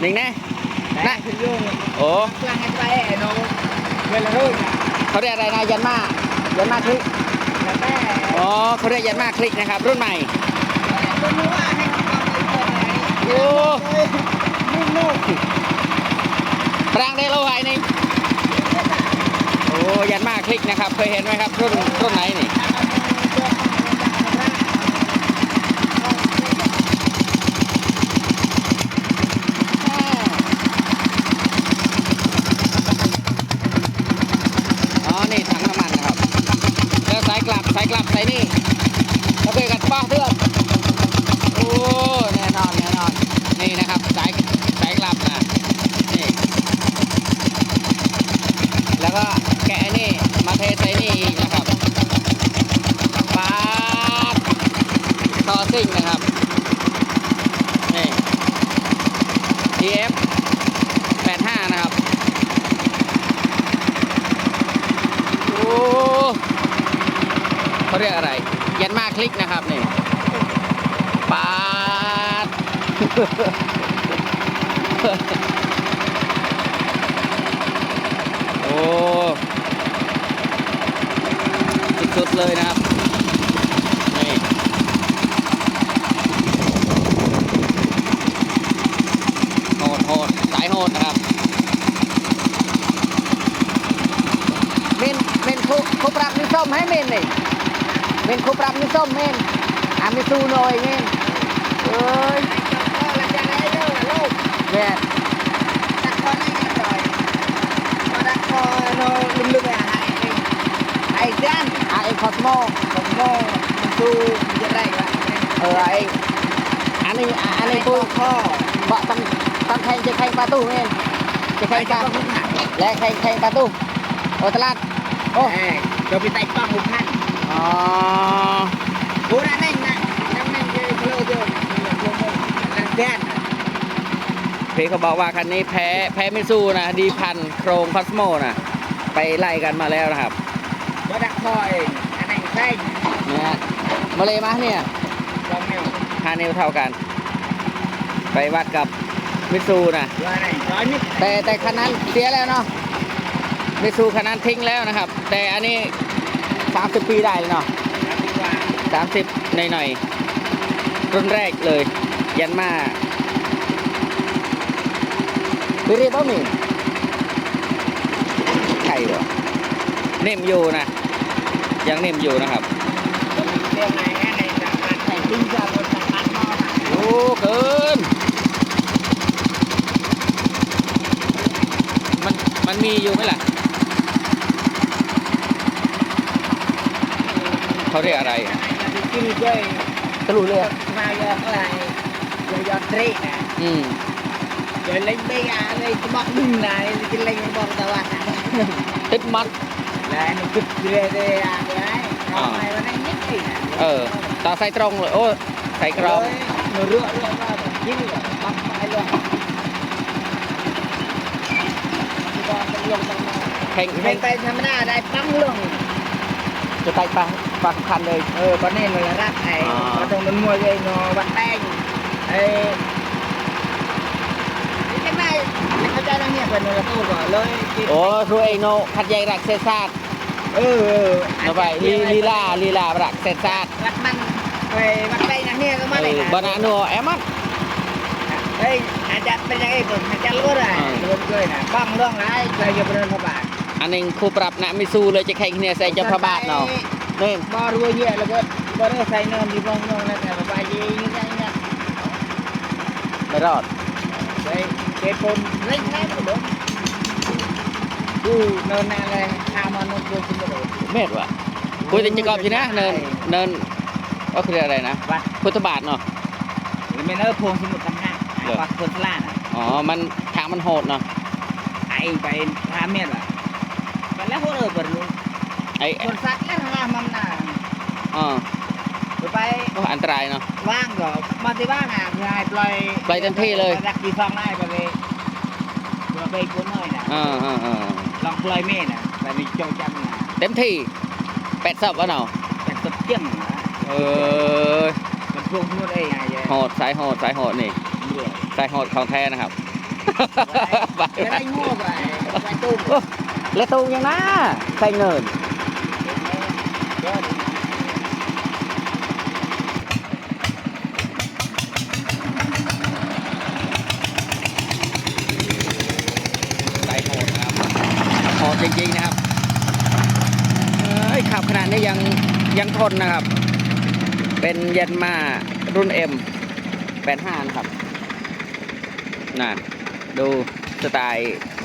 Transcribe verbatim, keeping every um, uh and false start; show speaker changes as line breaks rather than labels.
นิ่งแน่นะโอ้เขาเรียกอะไรนะยันมายันมาคลิกอ๋อเขาเรียกยันมาคลิกนะครับรุ่นใหม่โอ้ปรางได้โลหะนี่โอ้ยันมาคลิกนะครับเคยเห็นไหมครับรุ่นรุ่นไหนนี่นี่ถังน้ำมันนะครับแล้วสายกลับสายกลับสายนี่แล้วไปกันป้าเพื่อนโอ้แน่นอนแน่นอนนี่นะครับสายสายกลับนะนี่แล้วก็แกะนี่มาเทใส่นี่อีกนะครับปาดต่อซิ่งนะครับนี่ ที เอฟ แปดห้านะครับเขาเรียกอะไรยันมาคลิกนะครับนี่ปาดโอ้สุดๆเลยนะครับนี่โหดโหดสายโหดนะครับเมนเมนคุคุปรับนิส้มให้เมนนี่เมนคุปรับนิส้มเมนอามิซูหน่อยเมนเอ้ยเมนตักคอได้ยังไงพอตักคอโน่ลึกๆไปหาไอ้เจ้าไอ้คอสโมคอสโมมิซูจะได้ไหมเออไอ้อันนี้อันนี้ปูข้อเบาะต้องต้องแข่งจะแข่งประตูเมนจะแข่งกันและแข่งแข่งประตูโอตลาดโอ้เราไปไต่ป้องหุบพันอ๋อโอ้นั่นนั่นนั่นนั่นเยอะเยอะเยอะแดนพี่เขาบอกว่าคันนี้แพ้แพ้มิซูนะดีพันโครงคอสโมนะไปไล่กันมาแล้วนะครับว่าดักคอยอันไหนใช่เนี่ยมาเลยมาเนี่ยห้านิ้วเท่ากันไปวัดกับมิซูนะแต่แต่คันนั้นเสียแล้วเนาะมิซูคันนั้นทิ้งแล้วนะครับแต่อันนี้สามสิบปีได้เลยเนาะสามสิบหน่อยๆรุ่นแรกเลยยันมาไปเรียบร้อยมั้ยใช่หรอเนิ่มอยู่นะยังเนิ่มอยู่นะครับโอ้เกินมันมันมีอยู่ไหมล่ะเขาเรียกอะไรตะลุยเลยมายอดอะไรยอดเตะนะอืมเดี๋ยวเล่นไม่อะเลยจะบอกดึงไหนจะเล่นบอกตะวันติดมัดแล้วนี่ติดเลยเลยอะเลยทำไมวันนี้นิดหนึ่งเออต่อใส่ตรงเลยโอ้ใส่กรองเนื้อเรื่องเรื่องว่ายิ่งแบบปักไปเลยแข่งแข่งไปทำหน้าได้ปั้งลงจะไปปังปังคันเลยเออตอนนี้เลยรักไอ้มาตรงนั้นมวยเลยเนาะวัดแป้งไอ้ที่ไหนเขาใจนั่งเนี่ยเป็นเนื้อตู้ก่อนเลยโอ้รู้เองเนาะขัดใหญ่รักเศษซาดเออเออเอาไปลีลีลาลีลารักเศษซาดวัดมันไปวัดแป้งนั่งเนี่ยก็มาเลยบานาโนแอมัดเฮ้ยอาจารย์เป็นยังไงผมอาจารย์รู้อะไรรู้ด้วยนะบ้างเรื่องไรเคยจะเป็นพระบาทอันนึงคู่ปรับนะมิซูเลยจะแข่งเนี่ยใส่จะพระบาทเนาะนี่บอรัวเยอะแล้วก็บอรัวใส่เนินดีบ้องน้องนั่นแต่พระบาทยี่ยี่ยี่ยี่ไม่รอดเฮ้ยเก็บคนเล่นแน่หมดเลยดูเนินนั่นเลยข้ามมันดูสมุทรเม็ดวะคุยถึงจะกอบจีนะเนินเนินก็คืออะไรนะพุทธบาทเนาะหรือไม่เนินพวงสมุทรต่างหากวัดคนสลาดอ๋อมันทางมันโหดเนาะไอ้ไปท่าเม็ดวะแล้วพวกเราเปิดลุงไอ้คนสัตว์แล้วนะมันน่ะอ๋อไปอันตรายเนาะว่างก็มาที่ว่างอ่ะง่ายปล่อยปล่อยเต็มที่เลยรักกี่ฟองได้ไปเลยเราไปกุ้งน้อยนะอ่าอ่าอ่าลองปล่อยเม่น่ะไปในโจจังนะเต็มที่แปดสับวะเนาะแปดสับเจี้ยงเออมันพวกนู้นเองไงโหดสายโหดสายโหดนี่สายโหดของแท้นะครับไม่ได้โง่ไปไปตู้
และตูยังนะใส่เงินใส่โหดนะครับโหดจริงๆนะครับเอ้ยขับขนาดนี้ยังยังทนนะครับ เป็นยันมารุ่น เอ็ม แปดสิบห้า นะครับน่ะดูสไตล์